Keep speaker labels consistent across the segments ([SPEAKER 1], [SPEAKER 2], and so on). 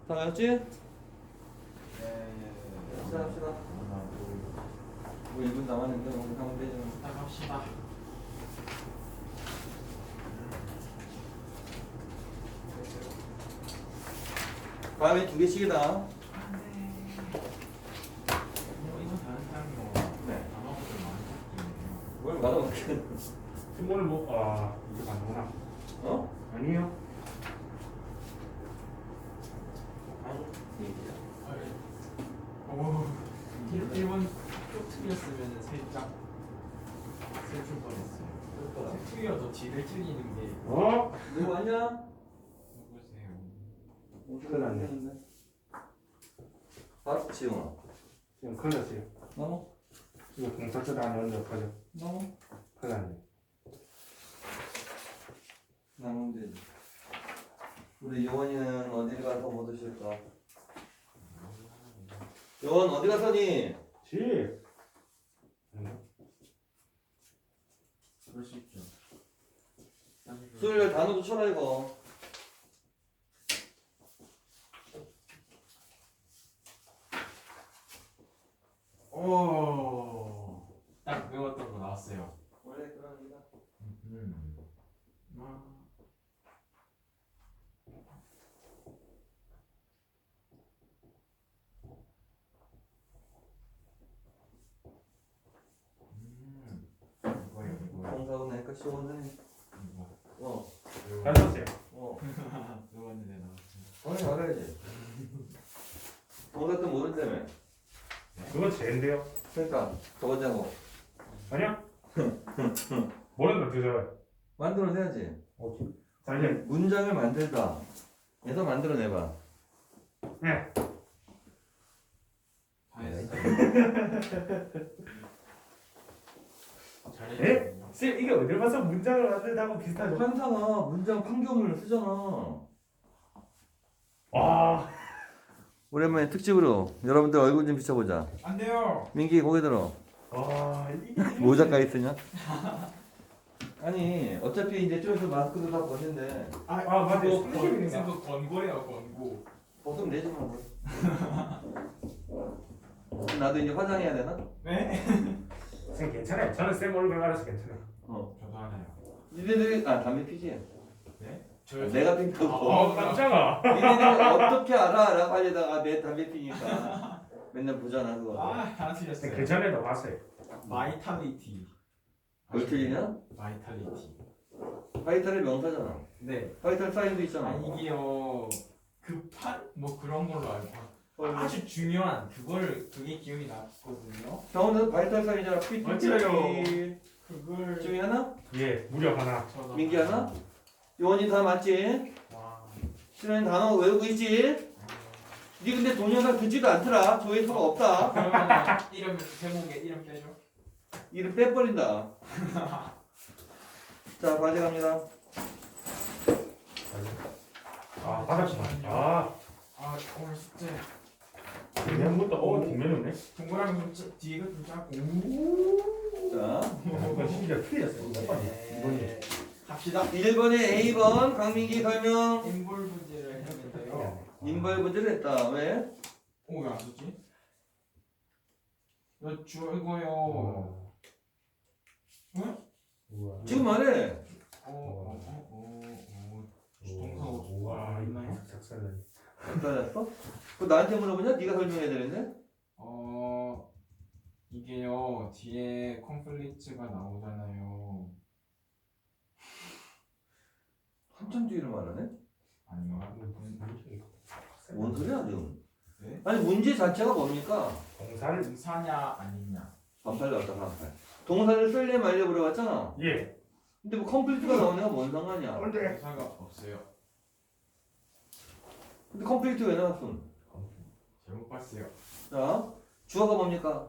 [SPEAKER 1] 다 외웠지?
[SPEAKER 2] 네.
[SPEAKER 1] 시작합시다. 뭐 1분 남았는데 오늘 하면 되죠.
[SPEAKER 2] 시작합시다.
[SPEAKER 1] 다음에 2개씩이다.
[SPEAKER 2] 이거 다른 사람이
[SPEAKER 1] 네.
[SPEAKER 2] 단어를 많이 섞이네요.
[SPEAKER 1] 뭘 말아먹게.
[SPEAKER 3] 스몰을 이게 맞구나.
[SPEAKER 1] 어?
[SPEAKER 3] 아니요.
[SPEAKER 2] 오, 1번 쪽 틀렸으면 살짝 슬플 뻔했어요. 틀려도 뒤를 틀리는 게
[SPEAKER 1] 누구 왔냐?
[SPEAKER 2] 누구세요?
[SPEAKER 3] 큰일 났네.
[SPEAKER 1] 밥 지용아.
[SPEAKER 3] 지금 큰일 났어요.
[SPEAKER 1] 너무?
[SPEAKER 3] 이거 공사처도 안 하는데 어떡하죠?
[SPEAKER 1] 너무?
[SPEAKER 3] 큰일 났네.
[SPEAKER 1] 나면 되지. 우리 요원이는 어디 가서 뭐 드실까? 요원 어디 갔더니?
[SPEAKER 3] 집.
[SPEAKER 2] 그럴 수 있죠.
[SPEAKER 1] 수요일 단어도 쳐라 이거.
[SPEAKER 2] 오, 딱 외웠던 거 나왔어요.
[SPEAKER 1] 원래 그럽니다.
[SPEAKER 2] 이거요.
[SPEAKER 1] 공사도 내니까 시원해. 어.
[SPEAKER 3] 잘 썼어요.
[SPEAKER 1] 어.
[SPEAKER 2] 외웠는데 나왔어요.
[SPEAKER 1] 오늘 말해야지. 공사 또 모른다며.
[SPEAKER 3] 그거 제인데요.
[SPEAKER 1] 그러니까 저거자고
[SPEAKER 3] 아니야? 뭐는 어떻게 잡아요?
[SPEAKER 1] 만들어내야지.
[SPEAKER 3] 자 이제
[SPEAKER 1] 문장을 만들다. 얘도 만들어내봐.
[SPEAKER 3] 네.
[SPEAKER 2] 다 했어요. 잘했어요.
[SPEAKER 3] 쌤 이게 어딜 봐서 문장을 만들다고 비슷하죠?
[SPEAKER 1] 환상아 문장 판결문을 쓰잖아.
[SPEAKER 3] 와.
[SPEAKER 1] 오랜만에 특집으로 여러분들 얼굴 좀 비춰보자.
[SPEAKER 2] 안 돼요.
[SPEAKER 1] 민기 고개 들어.
[SPEAKER 3] 와 이게
[SPEAKER 1] 모자까지 쓰냐? 아니 어차피 이제 좀 있으면 마스크도 다 벗는데
[SPEAKER 3] 맞아요.
[SPEAKER 2] 그거
[SPEAKER 3] 선생님인가?
[SPEAKER 2] 그거 권고래요, 권고.
[SPEAKER 1] 벗으면 되지 뭐. 나도 이제 화장해야 되나?
[SPEAKER 2] 네?
[SPEAKER 3] 쌤 괜찮아요. 저는 쌤 얼굴 알아서 괜찮아요.
[SPEAKER 2] 저도 하나요.
[SPEAKER 1] 니네들이 담배 피지?
[SPEAKER 2] 네?
[SPEAKER 1] 내가 핀다고.
[SPEAKER 3] 깜짝아.
[SPEAKER 1] 니네들이 어떻게 알아? 빨리다가 내 담배 피니까 맨날 보잖아 그거.
[SPEAKER 2] 다
[SPEAKER 3] 쌤
[SPEAKER 2] 틀렸어요.
[SPEAKER 3] 괜찮아요. 봤어요.
[SPEAKER 2] 바이탈리티.
[SPEAKER 1] 뭘 틀리냐?
[SPEAKER 2] 바이탈리티.
[SPEAKER 1] 바이탈의 명사잖아.
[SPEAKER 2] 네.
[SPEAKER 1] 바이탈 사인도 있잖아.
[SPEAKER 2] 이게요. 급한 뭐 그런 걸로 알고. 아주 중요한 그게 기억이 났거든요.
[SPEAKER 1] 병원에서 바이탈 사인이잖아. PT.
[SPEAKER 2] 맞아요. 그걸
[SPEAKER 1] 중이 하나?
[SPEAKER 3] 예, 무려 하나.
[SPEAKER 1] 민기 하나? 요원이 다 맞지?
[SPEAKER 2] 와.
[SPEAKER 1] 실은 단어 외우고 있지? 니 근데 동영상 듣지도 않더라. 조회수가 없다.
[SPEAKER 2] 그러면 이름 제목에 이름 빼줘.
[SPEAKER 1] 이름 빼버린다. 자, 과제 갑니다.
[SPEAKER 3] 받았구나.
[SPEAKER 2] 오늘 숙제
[SPEAKER 3] 그냥 것도 뒷면이네.
[SPEAKER 2] 동그라미 좀 뒤가 좀 작고.
[SPEAKER 1] 자,
[SPEAKER 3] 이거 심지어 틀렸어요.
[SPEAKER 2] 네. 갑시다.
[SPEAKER 1] 1번에 A번 강민기 설명.
[SPEAKER 2] 인물 문제를 했는데요.
[SPEAKER 1] 인벌 문제를 했다. 왜?
[SPEAKER 2] 왜 안 썼지? 이거요. 응?
[SPEAKER 1] 지금 말해.
[SPEAKER 2] 동사가 있나요?
[SPEAKER 3] 작살나니.
[SPEAKER 1] 잘했어? 그거 나한테 물어보냐? 네가 설명해야 되는데?
[SPEAKER 2] 이게요 뒤에 콘플릭트가 나오잖아요.
[SPEAKER 1] 한참 뒤를 말하네?
[SPEAKER 2] 아니요.
[SPEAKER 1] 뭔 소리야 지금?
[SPEAKER 2] 네?
[SPEAKER 1] 아니 문제 자체가 뭡니까?
[SPEAKER 3] 공사를
[SPEAKER 2] 동사냐 아니냐.
[SPEAKER 1] 반팔 나왔다 반팔. 동사를 쓸래 말래 물어봤잖아.
[SPEAKER 3] 예.
[SPEAKER 1] 근데 뭐 컴플리트가 나오는 애가 뭔 상관이야?
[SPEAKER 3] 근데
[SPEAKER 2] 동사가 없어요.
[SPEAKER 1] 근데 컴플리트 왜 나왔어?
[SPEAKER 2] 잘못 봤어요.
[SPEAKER 1] 자, 주어가 뭡니까?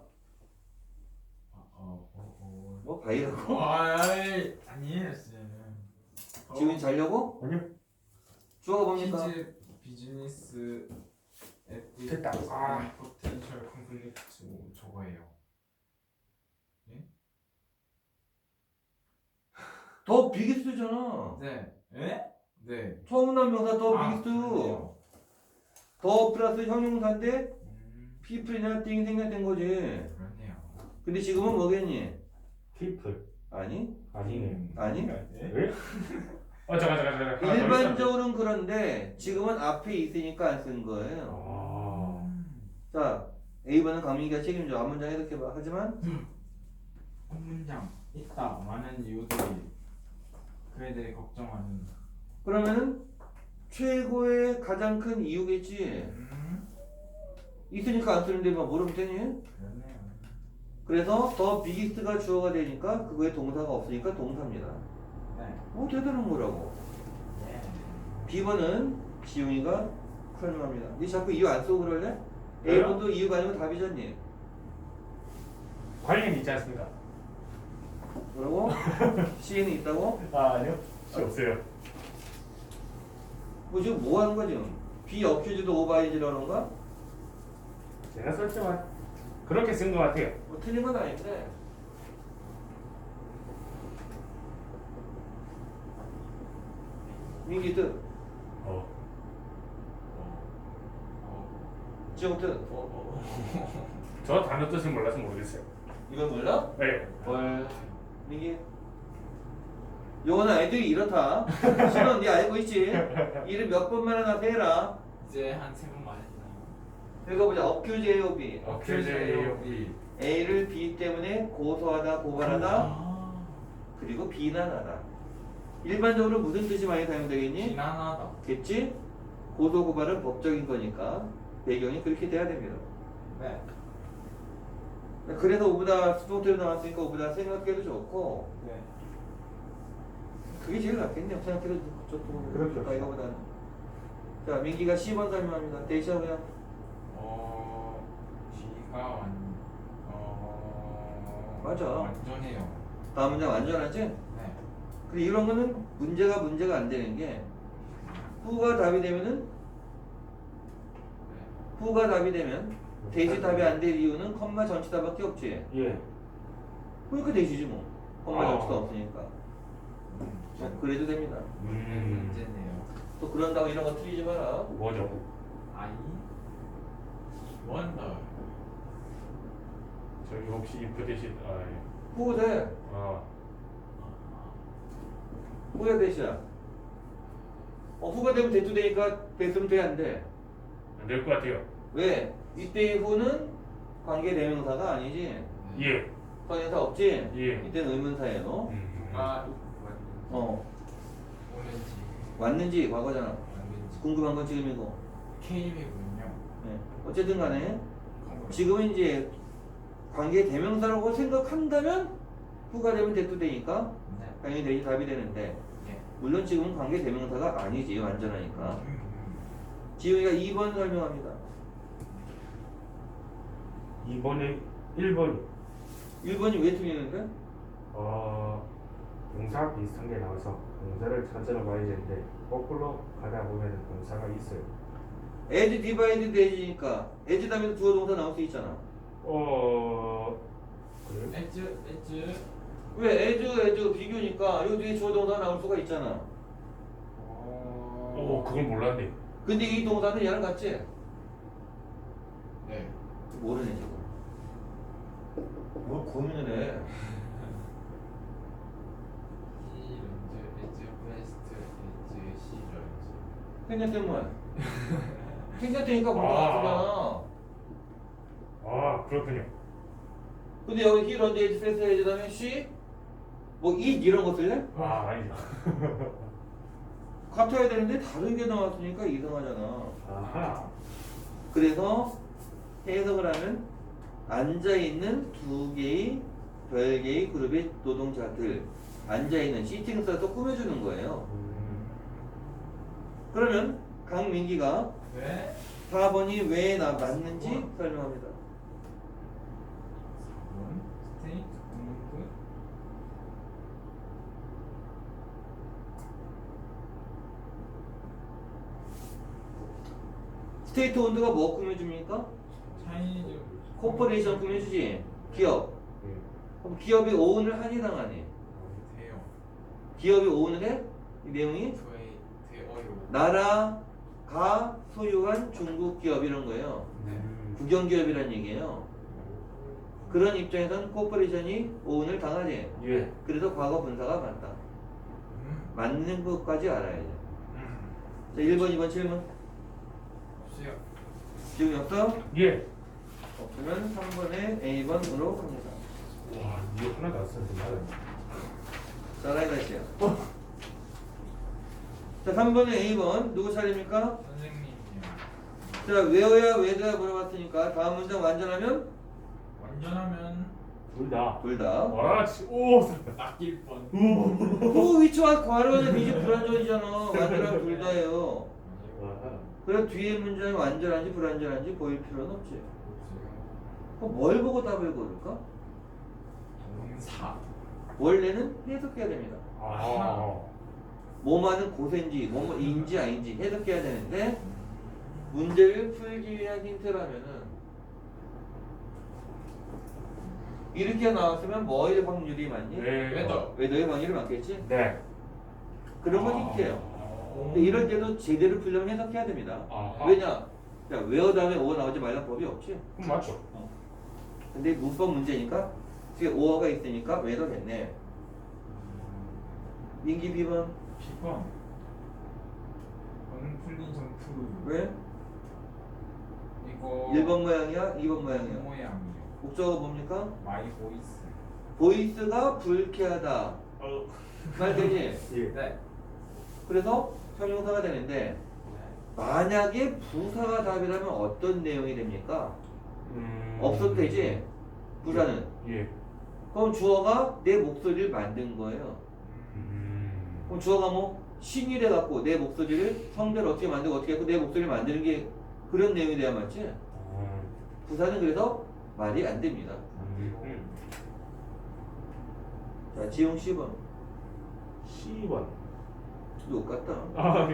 [SPEAKER 1] 뭐 바이라고?
[SPEAKER 2] 아니에요 쌤.
[SPEAKER 1] 지훈이 자려고?
[SPEAKER 3] 아니요.
[SPEAKER 1] 주어가 뭡니까?
[SPEAKER 2] 비즈니스
[SPEAKER 3] 됐다.
[SPEAKER 2] 포텐셜 콘플릭트 저거예요.
[SPEAKER 1] 더 비기스트잖아.
[SPEAKER 2] 네. 네? 네.
[SPEAKER 1] 처음 난 명사 더 비기스트.
[SPEAKER 2] 그러네요.
[SPEAKER 1] 더 플러스 형용사인데
[SPEAKER 2] 음,
[SPEAKER 1] people이나 thing 생략된 거지.
[SPEAKER 2] 그렇네요.
[SPEAKER 1] 근데 지금은 뭐겠니?
[SPEAKER 3] 피플.
[SPEAKER 1] 아니?
[SPEAKER 3] 아니네.
[SPEAKER 1] 아니?
[SPEAKER 2] 예?
[SPEAKER 3] 왜? 잠깐. 하나 더 있어.
[SPEAKER 1] 일반적으로는 그런데 지금은 앞에 있으니까 안 쓴 거예요.
[SPEAKER 3] 아.
[SPEAKER 1] 자, A번은 강민기가 책임져. 앞문장 해석해봐. 하지만
[SPEAKER 2] 한 문장 있다. 많은 이유들이 그에 대해 걱정하는.
[SPEAKER 1] 그러면은 최고의 가장 큰 이유겠지. 있으니까 안 쓰는데 막 모르면 되니?
[SPEAKER 2] 그렇네요.
[SPEAKER 1] 그래서 더 비기스트가 주어가 되니까 그거에 동사가 없으니까 동사입니다.
[SPEAKER 2] 네.
[SPEAKER 1] 대단한 거라고.
[SPEAKER 2] 예.
[SPEAKER 1] B번은 지용이가 설명합니다. 니 자꾸 이유 안 쓰고 그럴래? A번도 이유가 아니면 답이잖니.
[SPEAKER 3] 관련이 있지 않습니까?
[SPEAKER 1] 뭐라고? C에는 있다고?
[SPEAKER 3] 아니요. 없어요.
[SPEAKER 1] 뭐 지금 뭐 하는 거지? B 어큐즈드 오바이즈라는 건가?
[SPEAKER 3] 제가 썼지만 그렇게 쓴 것 같아요.
[SPEAKER 1] 뭐 틀린 건 아닌데. 민기 뜻,
[SPEAKER 3] 어.
[SPEAKER 1] 지용 뜻.
[SPEAKER 3] 저 단어 뜻을 몰라서 모르겠어요.
[SPEAKER 1] 이건 몰라?
[SPEAKER 3] 네.
[SPEAKER 1] 뭘? 민기? 요거는 아이들이 이렇다. 신원 니 알고 있지? 이를 몇 번만 하나 세라.
[SPEAKER 2] 이제 한 3번 말했나요?
[SPEAKER 1] 읽어보자. 어큐즈 AOB.
[SPEAKER 3] 어큐제이오비.
[SPEAKER 1] A를 B 때문에 고소하다, 고발하다,
[SPEAKER 2] 아,
[SPEAKER 1] 그리고 비난하다. 일반적으로 무슨 뜻이 많이 사용되겠니?
[SPEAKER 2] 비난하다.
[SPEAKER 1] 겠지? 고소, 고발은 법적인 거니까 배경이 그렇게 돼야 됩니다.
[SPEAKER 2] 네.
[SPEAKER 1] 그래서 오보다 수동태로 나왔으니까 오보다 생각해도 좋고
[SPEAKER 2] 네.
[SPEAKER 1] 그게 제일 낫겠네요. 생각해도 좋고
[SPEAKER 3] 그렇죠.
[SPEAKER 1] 이거보다는. 자, 민기가 10번 설명합니다. 대시하고 그냥
[SPEAKER 2] G가
[SPEAKER 1] 맞아.
[SPEAKER 2] 완전해요.
[SPEAKER 1] 다음 문장 완전하지?
[SPEAKER 2] 네.
[SPEAKER 1] 그리고 이런 거는 문제가 안 되는 게 후가 답이 되면은 후가 답이 되면 대시 답이 안 될 이유는 컴마 전치다밖에 없지.
[SPEAKER 3] 예.
[SPEAKER 1] 그러니까 대시지 뭐. 컴마
[SPEAKER 3] 어.
[SPEAKER 1] 전치다 없으니까. 그래도 됩니다.
[SPEAKER 2] 문제네요.
[SPEAKER 1] 또 그런다고 이런 거 틀리지 마라.
[SPEAKER 3] 뭐죠?
[SPEAKER 2] I wonder.
[SPEAKER 3] 저기 혹시 if 대신 예.
[SPEAKER 1] 후가 돼.
[SPEAKER 3] 아.
[SPEAKER 1] 후가 대시야. 후가 되면 대투 되니까 됐으면 돼, 안 돼?
[SPEAKER 3] 안 될 것 같아요.
[SPEAKER 1] 왜? 이때의 후는 관계 대명사가 아니지.
[SPEAKER 3] 예.
[SPEAKER 1] 관계사 없지?
[SPEAKER 3] 예.
[SPEAKER 1] 이때는 의문사예요.
[SPEAKER 2] 아, 오는지
[SPEAKER 1] 왔는지 과거잖아.
[SPEAKER 2] 왔는지
[SPEAKER 1] 궁금한 건 지금이고.
[SPEAKER 2] K이군요.
[SPEAKER 1] 네. 어쨌든 간에 지금은 이제 관계 대명사라고 생각한다면 후가 되면 대투 되니까
[SPEAKER 2] 네.
[SPEAKER 1] 당연히 대시 답이 되는데
[SPEAKER 2] 예.
[SPEAKER 1] 물론 지금은 관계 대명사가 아니지 완전하니까. 지우이가 2번 설명합니다.
[SPEAKER 3] 2번에 1번
[SPEAKER 1] 1번이 왜 틀리는데?
[SPEAKER 3] 동사 비슷한 게 나와서 동사를 찾으러 가야 되는데 거꾸로 가다 보면 동사가 있어요.
[SPEAKER 1] as divided as니까 as 다음에 주어 동사 나올 수 있잖아.
[SPEAKER 3] 그래요?
[SPEAKER 2] 에즈
[SPEAKER 1] 왜 as 비교니까 여기 뒤에 주어 동사 나올 수가 있잖아.
[SPEAKER 3] 그걸 몰랐네.
[SPEAKER 1] 근데 이 동사는 얘랑 같지?
[SPEAKER 2] 네.
[SPEAKER 1] 모르네 지금. 뭘 고민을 해?
[SPEAKER 2] 이런즈 에즈 베스트 에즈 시런즈.
[SPEAKER 1] 생략되면 생략되니까 뭔가 같잖아.
[SPEAKER 3] 그렇군요.
[SPEAKER 1] 근데 여기 he, run, as, fast, as 다음에 she 뭐 it 이런 거 쓸래?
[SPEAKER 3] 아니죠.
[SPEAKER 1] 같아야 되는데 다른 게 나왔으니까 이상하잖아.
[SPEAKER 3] 아하.
[SPEAKER 1] 그래서 해석을 하면 앉아있는 두 개의 별개의 그룹의 노동자들 앉아있는 시팅 써서 꾸며주는 거예요. 그러면 강민기가
[SPEAKER 2] 네.
[SPEAKER 1] 4번이 왜 맞는지 설명합니다.
[SPEAKER 2] 4번 스테이트 공부.
[SPEAKER 1] 스테이트 온도가 뭐 꾸며줍니까?
[SPEAKER 2] 차이니즈
[SPEAKER 1] 코퍼레이션 꾸며주지. 기업.
[SPEAKER 3] 예.
[SPEAKER 1] 그럼 기업이 오운을 하니 당하니?
[SPEAKER 2] 돼요.
[SPEAKER 1] 기업이 오운을 해? 이 내용이?
[SPEAKER 2] 저희 돼어요.
[SPEAKER 1] 나라, 가, 소유한 중국 기업 이런 거예요.
[SPEAKER 2] 네.
[SPEAKER 1] 국영기업이란 얘기예요. 그런 입장에서는 코퍼레이션이 오운을 당하지.
[SPEAKER 3] 예.
[SPEAKER 1] 그래서 과거 분사가 맞다. 맞는 것까지 알아야 돼. 자, 1번, 2번 질문.
[SPEAKER 2] 없어요.
[SPEAKER 1] 지금 없어?
[SPEAKER 3] 예.
[SPEAKER 1] 없으면 3번에 A번으로 갑니다.
[SPEAKER 3] 와, 이거 하나도 안 썼는데 말은.
[SPEAKER 1] 자, 라이다시야. 자, 3번에 A번 누구 차례입니까?
[SPEAKER 2] 선생님이요.
[SPEAKER 1] 자, 외워야 외도야 물어봤으니까 다음 문장 완전하면
[SPEAKER 2] 완전하면
[SPEAKER 3] 둘 다.
[SPEAKER 1] 둘 다.
[SPEAKER 3] 와, 오.
[SPEAKER 2] 낚일 뻔.
[SPEAKER 1] 그 위치와 괄호는 비지 불완전이잖아. 완전한 둘 다예요.
[SPEAKER 3] 와.
[SPEAKER 1] 그래 뒤에 문장이 완전한지 불완전한지 보일 필요는 없지.
[SPEAKER 2] 없어요.
[SPEAKER 1] 그럼 뭘 보고 답을 고를까?
[SPEAKER 2] 동사.
[SPEAKER 1] 원래는 해석해야 됩니다.
[SPEAKER 3] 아.
[SPEAKER 1] 뭐만은 고세인지 뭐인지 아닌지 해석해야 되는데 문제를 풀기 위한 힌트라면은 이렇게 나왔으면 뭐의 확률이 많니?
[SPEAKER 3] 네.
[SPEAKER 1] 외도의 확률이 많겠지?
[SPEAKER 3] 네.
[SPEAKER 1] 그런 건 힌트예요. 근데 이럴 때도 제대로 풀려면 해석해야 됩니다.
[SPEAKER 3] 아하.
[SPEAKER 1] 왜냐? 야, 외워 다음에 오 나오지 말란 법이 없지.
[SPEAKER 3] 그럼 맞죠.
[SPEAKER 1] 근데 문법 문제니까 뒤에 오어가 있으니까 외도 됐네. 민기 B번
[SPEAKER 2] 10번. 저는 풀린 점프.
[SPEAKER 1] 왜?
[SPEAKER 2] 이거
[SPEAKER 1] 1번 모양이야? 2번 모양이야?
[SPEAKER 2] 모양이요.
[SPEAKER 1] 목적어가 뭡니까?
[SPEAKER 2] 마이 보이스.
[SPEAKER 1] 보이스가 불쾌하다. 말 되지?
[SPEAKER 3] 예.
[SPEAKER 2] 네.
[SPEAKER 1] 그래서 형용사가 되는데 만약에 부사가 답이라면 어떤 내용이 됩니까? 없어도 되지? 부사는.
[SPEAKER 3] 예.
[SPEAKER 1] 그럼 주어가 내 목소리를 만든 거예요. 그럼 주어가 뭐 신이 돼갖고 내 목소리를 성대를 어떻게 만들고 어떻게 했고 내 목소리를 만드는 게 그런 내용이 돼야 맞지? 부사는 그래서 말이 안 됩니다. 자, 지용 10번.
[SPEAKER 3] 10번.
[SPEAKER 1] 욕 같다.
[SPEAKER 3] 아,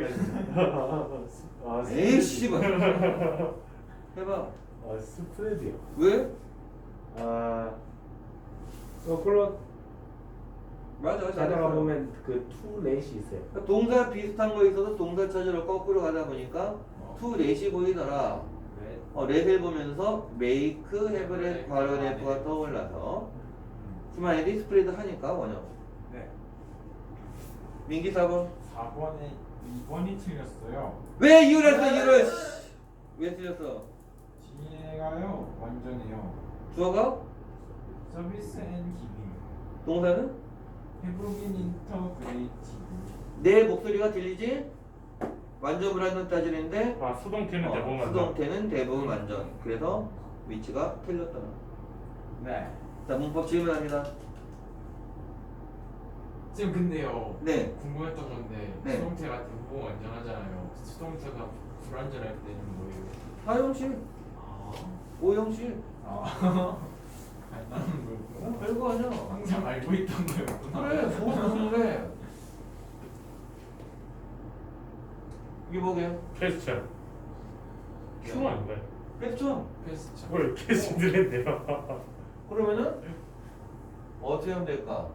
[SPEAKER 1] 에이, 10번. 해봐.
[SPEAKER 3] 아, 스프레드요.
[SPEAKER 1] 왜?
[SPEAKER 3] 아, 물론
[SPEAKER 1] 맞아,
[SPEAKER 3] 가다가
[SPEAKER 1] 잘했어.
[SPEAKER 3] 보면 그 투렛이 있어요.
[SPEAKER 1] 그러니까 동사 비슷한 거 있어서 동사 찾으러 거꾸로 가다 보니까 to let이 보이더라.
[SPEAKER 2] 네.
[SPEAKER 1] 렛을 보면서 make, have, let, 괄호, have가 떠올라서 스마일이 스프레드 하니까 원형.
[SPEAKER 2] 네.
[SPEAKER 1] 민기 4번.
[SPEAKER 2] 4번에 2번이 틀렸어요.
[SPEAKER 1] 왜 이유를 했어, 이유를? 왜 틀렸어?
[SPEAKER 2] 뒤에가요. 완전해요.
[SPEAKER 1] 주어가?
[SPEAKER 2] 서비스 앤 기빙.
[SPEAKER 1] 동사는?
[SPEAKER 2] 해보긴 인터그레이티브.
[SPEAKER 1] 내 목소리가 들리지? 완전 불완전 따지는데
[SPEAKER 3] 아, 수동태는 대부분 맞죠?
[SPEAKER 1] 수동태는 대부분 완전. 그래서 위치가 틀렸다.
[SPEAKER 2] 네.
[SPEAKER 1] 자, 문법 질문합니다.
[SPEAKER 2] 지금 근데요.
[SPEAKER 1] 네.
[SPEAKER 2] 궁금했던 건데
[SPEAKER 1] 네.
[SPEAKER 2] 수동태가 대부분 완전하잖아요. 수동태가 불완전할 때는 뭐예요?
[SPEAKER 1] 사용식,
[SPEAKER 2] 아.
[SPEAKER 1] 오형식.
[SPEAKER 2] 아니, 나는 뭐
[SPEAKER 1] 별거 아니야.
[SPEAKER 2] 항상 알고 있던 거였구나.
[SPEAKER 1] 그래, 무슨 그래. 이게 뭐게요?
[SPEAKER 3] 퀘스천. 큐 아닌가요?
[SPEAKER 1] 퀘스천.
[SPEAKER 2] 퀘스천.
[SPEAKER 3] 뭘 퀘스천 들었네요.
[SPEAKER 1] 그러면은 어떻게 하면 될까?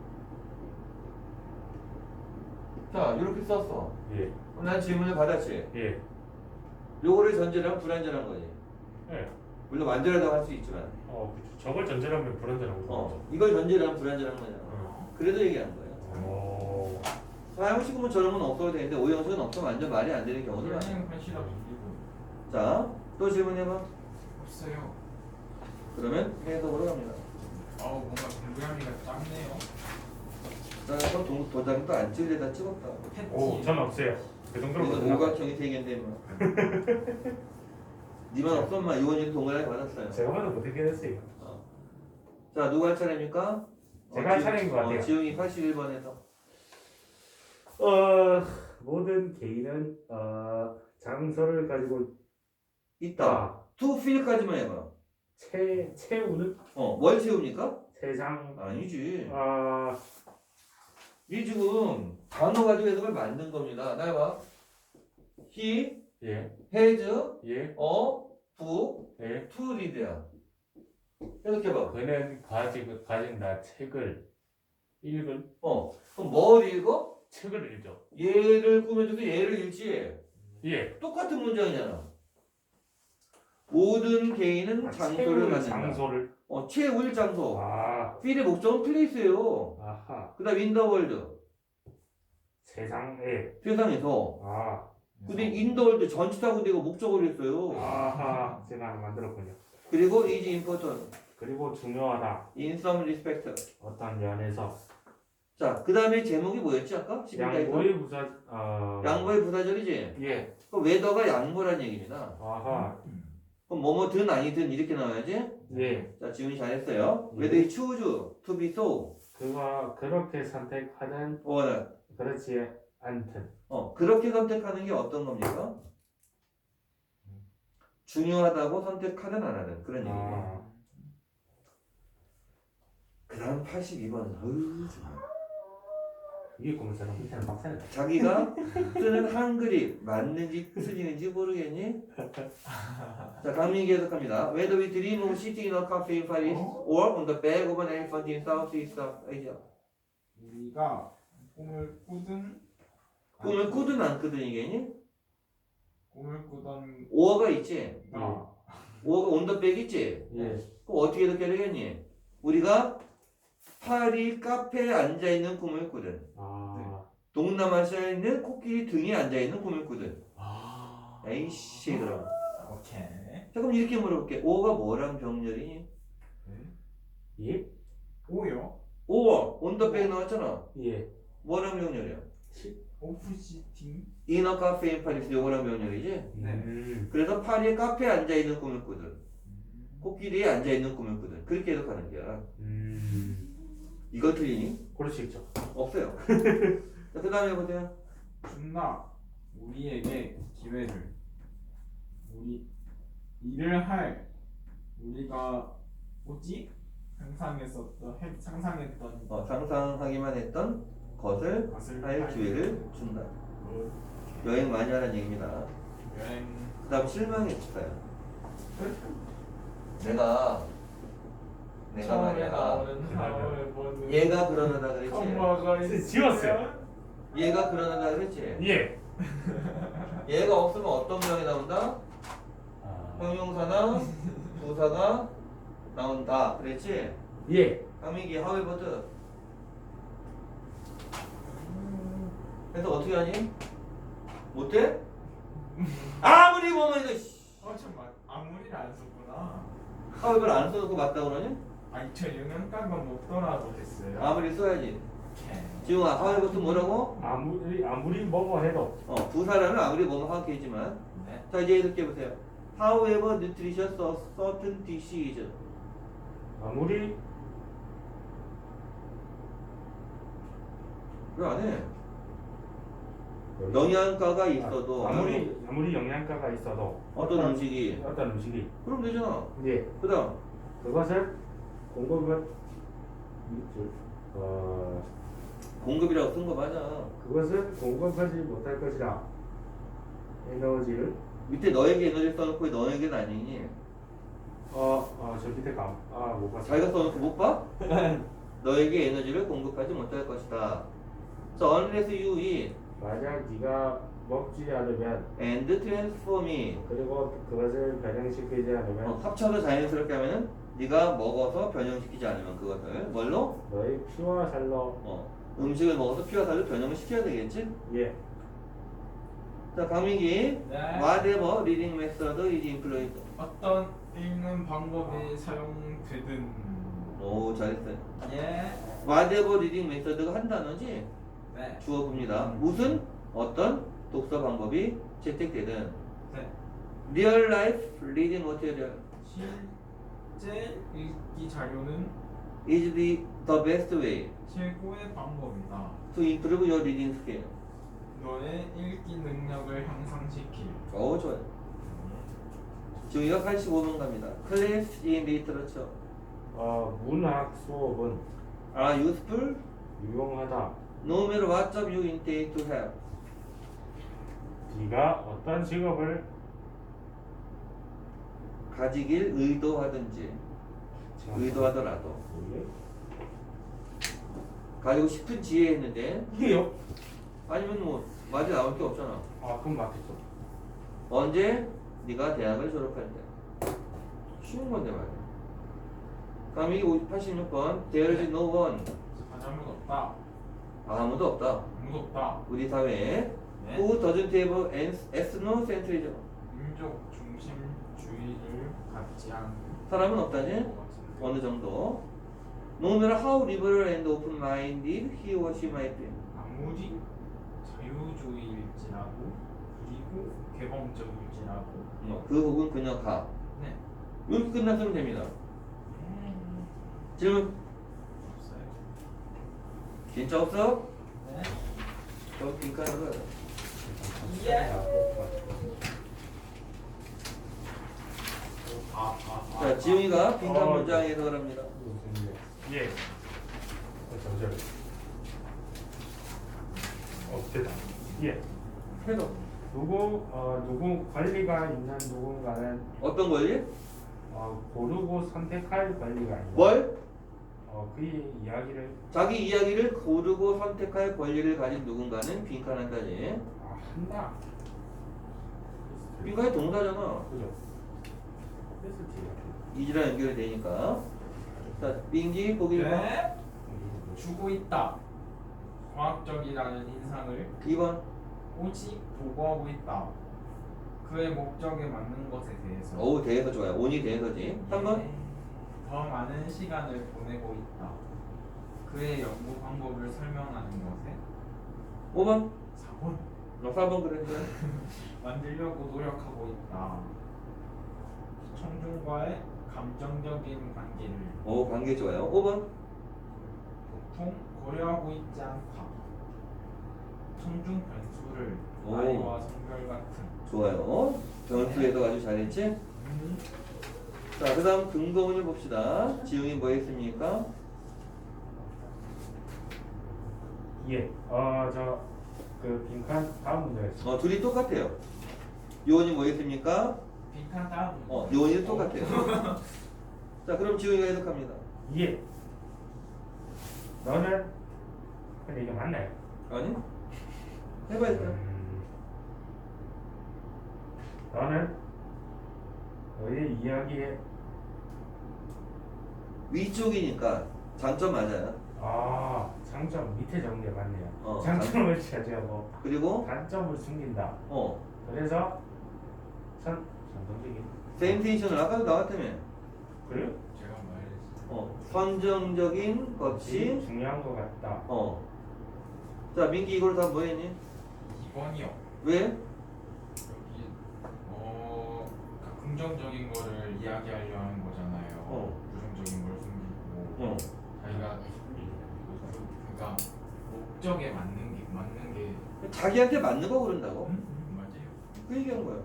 [SPEAKER 1] 자, 이렇게 썼어.
[SPEAKER 3] 예.
[SPEAKER 1] 그럼 난 질문을 받았지.
[SPEAKER 3] 예.
[SPEAKER 1] 요거를 전제로 하면 불완전한 거지.
[SPEAKER 3] 예.
[SPEAKER 1] 물론 완전하다고 할 수 있지만.
[SPEAKER 3] 그쵸. 저걸 전제하면 불안전한 거죠.
[SPEAKER 1] 이걸 전제로 하면 불완전한 거잖아. 그래도 얘기한 거예요.
[SPEAKER 3] 오.
[SPEAKER 1] 사용식은 저런 건 없어도 되는데 오형식은 없으면 완전 말이 안 되는 경우도 많아요.
[SPEAKER 2] 선생님 한시라 빌리고
[SPEAKER 1] 자, 또 질문해봐.
[SPEAKER 2] 없어요.
[SPEAKER 1] 그러면 해석으로 갑니다.
[SPEAKER 2] 뭔가 공부량이가 작네요.
[SPEAKER 1] 자, 그럼 도장도 안 찍으려다 찍었다.
[SPEAKER 3] 오, 전 없어요. 그 정도로
[SPEAKER 1] 그래서
[SPEAKER 3] 못하나 봐요.
[SPEAKER 1] 오각형이 되겠네 뭐. 니만 없었만 이원이도 동그라미 받았어요.
[SPEAKER 3] 제가 봐도 못했긴 했어요.
[SPEAKER 1] 자, 누구 할 차례입니까?
[SPEAKER 3] 제가 할 차례인 것 같아요.
[SPEAKER 1] 지웅이 81번에서.
[SPEAKER 3] 모든 개인은 장소를 가지고
[SPEAKER 1] 있다. to fill까지만 해봐.
[SPEAKER 3] 채우는
[SPEAKER 1] 뭘 채웁니까?
[SPEAKER 3] 세상.
[SPEAKER 1] 아니지. 이 지금 단어 가지고 해석을 만든 겁니다. 나 해봐. He
[SPEAKER 3] 예.
[SPEAKER 1] has
[SPEAKER 3] 예.
[SPEAKER 1] a book
[SPEAKER 3] 예.
[SPEAKER 1] to read야. 해석해봐.
[SPEAKER 3] 그는 가진다 책을 읽을
[SPEAKER 1] 그럼 뭘 읽어?
[SPEAKER 3] 책을 읽죠.
[SPEAKER 1] 얘를 꾸며줘도 얘를 읽지.
[SPEAKER 3] 예.
[SPEAKER 1] 똑같은 문장이잖아. 모든 개인은 장소를
[SPEAKER 3] 채울
[SPEAKER 1] 갖는다.
[SPEAKER 3] 장소를.
[SPEAKER 1] 채울 장소.
[SPEAKER 3] 아.
[SPEAKER 1] 필의 목적은 플레이스예요.
[SPEAKER 3] 아하.
[SPEAKER 1] 그 다음 인더월드.
[SPEAKER 3] 세상에.
[SPEAKER 1] 세상에서.
[SPEAKER 3] 아.
[SPEAKER 1] 근데 인더월드 전치사고 내가 목적으로 했어요.
[SPEAKER 3] 아하. 제가 하나 만들었군요.
[SPEAKER 1] 그리고 is important.
[SPEAKER 3] 그리고 중요하다.
[SPEAKER 1] in some respect.
[SPEAKER 3] 어떤 면에서.
[SPEAKER 1] 자, 그 다음에 제목이 뭐였지 아까? 11가에서?
[SPEAKER 3] 양보의 부사.
[SPEAKER 1] 양보의 부사절이지?
[SPEAKER 3] 예.
[SPEAKER 1] 그럼 웨더가 양보란 얘기입니다.
[SPEAKER 3] 아하.
[SPEAKER 1] 그럼 뭐뭐든 아니든 이렇게 나와야지?
[SPEAKER 3] 예.
[SPEAKER 1] 자, 지훈이 잘했어요.
[SPEAKER 3] 예.
[SPEAKER 1] whether you choose to be so.
[SPEAKER 3] 그가 그렇게 선택하는
[SPEAKER 1] or
[SPEAKER 3] 그렇지 않든.
[SPEAKER 1] 그렇게 선택하는 게 어떤 겁니까? 중요하다고 선택하든 안 하든 그런 얘기예요.
[SPEAKER 3] 아.
[SPEAKER 1] 그 다음 82번.
[SPEAKER 3] 위에 거면서는 밑에는 막사야.
[SPEAKER 1] 자기가 쓰는 한글이 맞는지 틀리는지 모르겠니? 자, 강민기 해석합니다. Whether we dream of sitting in a cafe in Paris or on the back of an elephant in Southeast Asia.
[SPEAKER 2] 우리가 꿈을 꾸든
[SPEAKER 1] 꿈을 꾸든 안 꾸든 이게니?
[SPEAKER 2] 꿈을 꾸던
[SPEAKER 1] 오어가 있지?
[SPEAKER 2] 나
[SPEAKER 1] 오어가 on the back 있지?
[SPEAKER 3] 예.
[SPEAKER 1] 그럼 어떻게 해석해야 되겠니? 우리가 파리 카페에 앉아있는 꿈을 꾸든
[SPEAKER 3] 아.
[SPEAKER 1] 동남아시아에 있는 코끼리 등에 앉아있는 꿈을 꾸든
[SPEAKER 2] 아
[SPEAKER 1] 에이씨 그럼
[SPEAKER 2] 오케이
[SPEAKER 1] 자 그럼 이렇게 물어볼게. 오가 뭐랑 병렬이니?
[SPEAKER 3] 예?
[SPEAKER 2] 오요
[SPEAKER 1] 오 온더백 나왔잖아.
[SPEAKER 3] 예.
[SPEAKER 1] 뭐랑 병렬이야?
[SPEAKER 2] 오프시팅
[SPEAKER 1] 이너 카페 인 파리스 요거랑 병렬이지?
[SPEAKER 2] 네.
[SPEAKER 1] 그래서 파리에 카페에 앉아있는 꿈을 꾸든 코끼리에 앉아있는 꿈을 꾸든 그렇게 해석하는 거야. 이거 틀리니?
[SPEAKER 3] 그럴 수 있죠.
[SPEAKER 1] 없어요. 자, 그 다음에 보세요.
[SPEAKER 2] 준나 우리에게 기회를 우리 일을 할 우리가 뭐지 상상했던
[SPEAKER 1] 상상하기만 했던 것을
[SPEAKER 2] 것을
[SPEAKER 1] 할 기회를 준다. 여행 많이 하라는 얘기입니다.
[SPEAKER 2] 여행
[SPEAKER 1] 그 다음 실망했어요. 내가
[SPEAKER 2] 처음에
[SPEAKER 1] 말이야.
[SPEAKER 2] 나오는 하울의 번은
[SPEAKER 1] 얘가 불안하다 그랬지?
[SPEAKER 2] 엄마가 있으면
[SPEAKER 3] 지웠어요.
[SPEAKER 1] 얘가 불안하다 그랬지?
[SPEAKER 3] 예.
[SPEAKER 1] 얘가 없으면 어떤 명이 나온다? 형용사나 부사가 나온다 그랬지?
[SPEAKER 3] 예.
[SPEAKER 1] 강민기 하웨버드 그래서 어떻게 하니? 못해? 아무리 보면 이거
[SPEAKER 2] 잠깐만 아무리를 안 썼구나
[SPEAKER 1] 하웨버를 안 써놓고 맞다고 그러니?
[SPEAKER 2] 아니 저 영양가가 먹더라도 됐어요
[SPEAKER 1] 아무리 써야지.
[SPEAKER 2] 오케이
[SPEAKER 1] 지웅아 하웨버드 뭐라고?
[SPEAKER 3] 아무리 뭐뭐 해도.
[SPEAKER 1] 부사라면 아무리 뭐뭐 하겠지만
[SPEAKER 2] 네.
[SPEAKER 1] 자 이제 이렇게 보세요. However nutritious a certain dish is.
[SPEAKER 3] 아무리
[SPEAKER 1] 왜 안 해? 영양가가 있어도
[SPEAKER 3] 아무리 영양가가 있어도
[SPEAKER 1] 어떤 음식이
[SPEAKER 3] 어떤 음식이
[SPEAKER 1] 그럼 되잖아.
[SPEAKER 3] 예.
[SPEAKER 1] 그 다음
[SPEAKER 3] 그것을 공급을
[SPEAKER 1] 공급이라고 쓴 거 맞아.
[SPEAKER 3] 그것을 공급하지 못할 것이라. 에너지를
[SPEAKER 1] 밑에 너에게 에너지 써놓고 왜 너에게는 아니니?
[SPEAKER 3] 저 밑에 못 봤어.
[SPEAKER 1] 자기가 써놓고 못 봐? 너에게 에너지를 공급하지 못할 것이다. So unless you eat
[SPEAKER 3] 만약 네가 먹지 않으면
[SPEAKER 1] and transform it.
[SPEAKER 3] 그리고 그것을 변형시키지 않으면
[SPEAKER 1] 합쳐서 자연스럽게 하면은 네가 먹어서 변형시키지 않으면 그것을 뭘로?
[SPEAKER 3] 너의 피와 살로.
[SPEAKER 1] 음식을 먹어서 피와 살로 변형을 시켜야 되겠지?
[SPEAKER 3] 예.
[SPEAKER 1] 자 강민기
[SPEAKER 2] 네.
[SPEAKER 1] whatever reading method is employed.
[SPEAKER 2] 어떤 읽는 방법이 사용되든
[SPEAKER 1] 오 잘했어요.
[SPEAKER 2] 예
[SPEAKER 1] whatever reading method가 한 단어지?
[SPEAKER 2] 네.
[SPEAKER 1] 주어 봅니다. 무슨 어떤 독서 방법이 채택되든
[SPEAKER 2] 네.
[SPEAKER 1] real life reading material
[SPEAKER 2] 실제 읽기 자료는
[SPEAKER 1] is the best way
[SPEAKER 2] 최고의 방법이다.
[SPEAKER 1] to improve your reading skill.
[SPEAKER 2] 너의 읽기 능력을 향상시킬.
[SPEAKER 1] 오 좋아요. 지웅이가 85번 갑니다. Class in literature
[SPEAKER 3] 문학 수업은
[SPEAKER 1] are useful
[SPEAKER 3] 유용하다.
[SPEAKER 1] no matter what job you intend to have.
[SPEAKER 3] 네가 어떤 직업을
[SPEAKER 1] 가지길 의도하든지 의도하더라도
[SPEAKER 3] 예?
[SPEAKER 1] 가지고 싶은 지혜 했는데
[SPEAKER 3] 이게요?
[SPEAKER 1] 아니면 뭐 말이 나올 게 없잖아.
[SPEAKER 3] 그럼 맞겠죠.
[SPEAKER 1] 언제? 네가 대학을 졸업할 때. 쉬운 건데 말이야. 그럼 이 86번 There is no one.
[SPEAKER 2] 아무도 없다.
[SPEAKER 1] 아무도 없다.
[SPEAKER 2] 아무도 없다.
[SPEAKER 1] 우리 사회에
[SPEAKER 2] 네.
[SPEAKER 1] Who doesn't have ethnocentrism.
[SPEAKER 2] 민족 중심주의를 갖지 않는
[SPEAKER 1] 사람은 없다지?
[SPEAKER 2] 것 같은데.
[SPEAKER 1] 어느 정도. No matter how liberal and open-minded he or she might be.
[SPEAKER 2] 아무리 자유주의일지라도 그리고 개방적일지라도
[SPEAKER 1] 그 혹은 그녀가.
[SPEAKER 2] 네.
[SPEAKER 1] 이렇게 끝났으면 됩니다. 질문?
[SPEAKER 2] 없어요.
[SPEAKER 1] 진짜 없어?
[SPEAKER 2] 네.
[SPEAKER 1] 저 빈칸으로 가자. 자, 지웅이가 빈칸 문장 해석을 합니다.
[SPEAKER 3] 예. 잠시만요. 됐다. 예.
[SPEAKER 1] 해석.
[SPEAKER 3] 누구 권리가 있는 누군가는
[SPEAKER 1] 어떤 권리?
[SPEAKER 3] 고르고 선택할 권리가 있는.
[SPEAKER 1] 뭘?
[SPEAKER 3] 그의 이야기를
[SPEAKER 1] 자기 이야기를 고르고 선택할 권리를 가진 누군가는 빈칸한다지.
[SPEAKER 3] 한다.
[SPEAKER 1] 빈칸이 동사잖아.
[SPEAKER 3] 그죠? 했을지.
[SPEAKER 1] 이지랑 연결이 되니까. 자, 민기 보기 1번.
[SPEAKER 2] 네. 주고 있다. 과학적이라는 인상을
[SPEAKER 1] 2번.
[SPEAKER 2] 오직 보고하고 있다. 그의 목적에 맞는 것에 대해서
[SPEAKER 1] 어우, 대해서 좋아요. 온이 대해서지. 3번.
[SPEAKER 2] 더 많은 시간을 보내고 있다. 그의 연구 방법을 설명하는 것에
[SPEAKER 1] 5번.
[SPEAKER 2] 4번
[SPEAKER 1] 4번 그랬는데.
[SPEAKER 2] 만들려고 노력하고 있다. 청중과의 감정적인 관계를
[SPEAKER 1] 오, 관계 좋아요. 5번.
[SPEAKER 2] 보통 고려하고 있지 않다. 청중 변수를
[SPEAKER 1] 오.
[SPEAKER 2] 나이와 성별 같은
[SPEAKER 1] 좋아요. 변수에서 아주 잘했지? 자, 그 다음 근거문을 봅시다. 지웅이 뭐 했습니까?
[SPEAKER 3] 예. 그 빈칸 다음 문제였어.
[SPEAKER 1] 둘이 똑같아요. 요원이 뭐 했습니까?
[SPEAKER 2] 빈칸 다음
[SPEAKER 1] 요원이 똑같아요. 자, 그럼 지웅이가 해석합니다.
[SPEAKER 3] 예. 너는 근데 이게 맞나요?
[SPEAKER 1] 아니? 해봐야죠.
[SPEAKER 3] 너는 너의 이야기에
[SPEAKER 1] 위쪽이니까 장점 맞아요.
[SPEAKER 3] 장점 밑에 적은 게 맞네요.
[SPEAKER 1] 장-
[SPEAKER 3] 장점을 차지하고
[SPEAKER 1] 그리고
[SPEAKER 3] 단점을 숨긴다.
[SPEAKER 1] 어
[SPEAKER 3] 그래서 선정적인.
[SPEAKER 1] 센테이션을 아까도 나왔다며.
[SPEAKER 3] 그래요?
[SPEAKER 2] 제가 말했어요.
[SPEAKER 1] 선정적인 것이
[SPEAKER 3] 중요한 것 같다.
[SPEAKER 1] 자, 민기 이걸 다 뭐 했니?
[SPEAKER 2] 2번이요.
[SPEAKER 1] 왜?
[SPEAKER 2] 여기 그러니까 긍정적인 거를 이야기하려 하는 거잖아요. 부정적인 걸 숨기고 자기가 그러니까 목적에 맞는 게
[SPEAKER 1] 자기한테 맞는 거 그런다고?
[SPEAKER 2] 맞아요.
[SPEAKER 1] 그 얘기한 거야.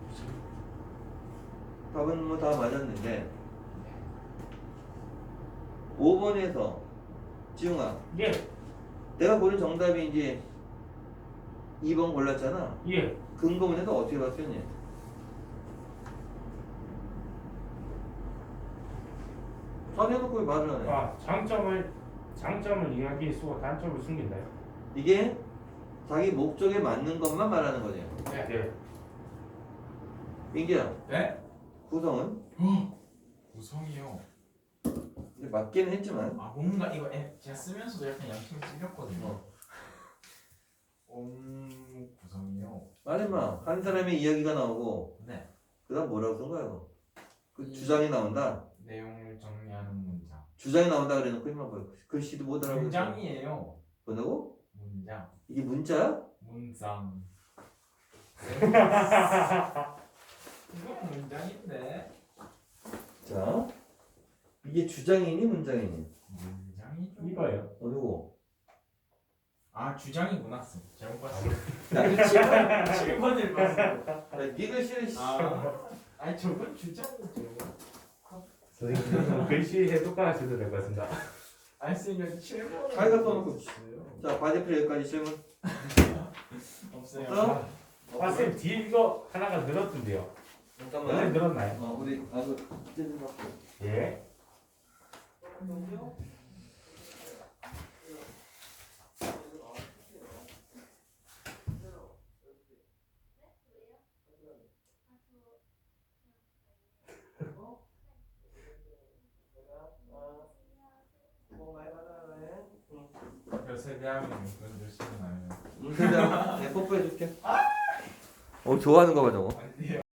[SPEAKER 1] 답은 뭐 다 맞았는데 5번에서 지웅아,
[SPEAKER 3] 예.
[SPEAKER 1] 내가 고른 정답이 이제 2번 골랐잖아.
[SPEAKER 3] 예.
[SPEAKER 1] 근거문에서 어떻게 봤었니? 선해놓고 왜 말을 안 해?
[SPEAKER 3] 장점을 이야기에 쓰고 단점을 숨긴다요.
[SPEAKER 1] 이게 자기 목적에 맞는 것만 말하는 거지.
[SPEAKER 3] 네.
[SPEAKER 1] 민기야,
[SPEAKER 2] 네?
[SPEAKER 1] 구성은
[SPEAKER 2] 구성이요.
[SPEAKER 1] 이제 맞기는 했지만
[SPEAKER 2] 뭔가 이거 제가 쓰면서도 약간 양심 찔렸거든요. 구성이요.
[SPEAKER 1] 말해봐. 한 사람의 이야기가 나오고
[SPEAKER 2] 네.
[SPEAKER 1] 그다음 뭐라고 쓴 거야? 그 주장이 나온다.
[SPEAKER 2] 내용을 정리하는 문장.
[SPEAKER 1] 주장이 나온다 그래놓고 이만 뭐 글씨도 못 알아보고
[SPEAKER 2] 문장이에요.
[SPEAKER 1] 뭐라고?
[SPEAKER 2] 문장.
[SPEAKER 1] 이게 문자야?
[SPEAKER 2] 문장. 이건 문장인데.
[SPEAKER 1] 자, 이게 주장이니 문장이니?
[SPEAKER 2] 문장이죠.
[SPEAKER 3] 이거요.
[SPEAKER 1] 누구?
[SPEAKER 2] 주장이구나. 잘못 봤어. 나 7번을 봤어.
[SPEAKER 1] 야, 네 글씨를
[SPEAKER 2] 아니 저건 주장이죠.
[SPEAKER 3] 선생님 글씨 해독가 하셔도 될 것 같습니다.
[SPEAKER 2] 알쓰면 7번을
[SPEAKER 1] 자기가 써놓고
[SPEAKER 2] 있어요.
[SPEAKER 1] 자, 과제표 여기까지 질문.
[SPEAKER 2] 없어요.
[SPEAKER 1] 없어?
[SPEAKER 3] 쌤 뒤에 이거 하나가 늘었던데요. 원래
[SPEAKER 1] 잠깐만.
[SPEAKER 3] 늘었나요?
[SPEAKER 1] 우리 찢은 거.
[SPEAKER 3] 예.
[SPEAKER 2] 그 세대하면 그런 줄 쓰면 아니에요.
[SPEAKER 1] 그래, 내가 뽀뽀해줄게. 좋아하는 거 봐, 저거.
[SPEAKER 2] 아니요.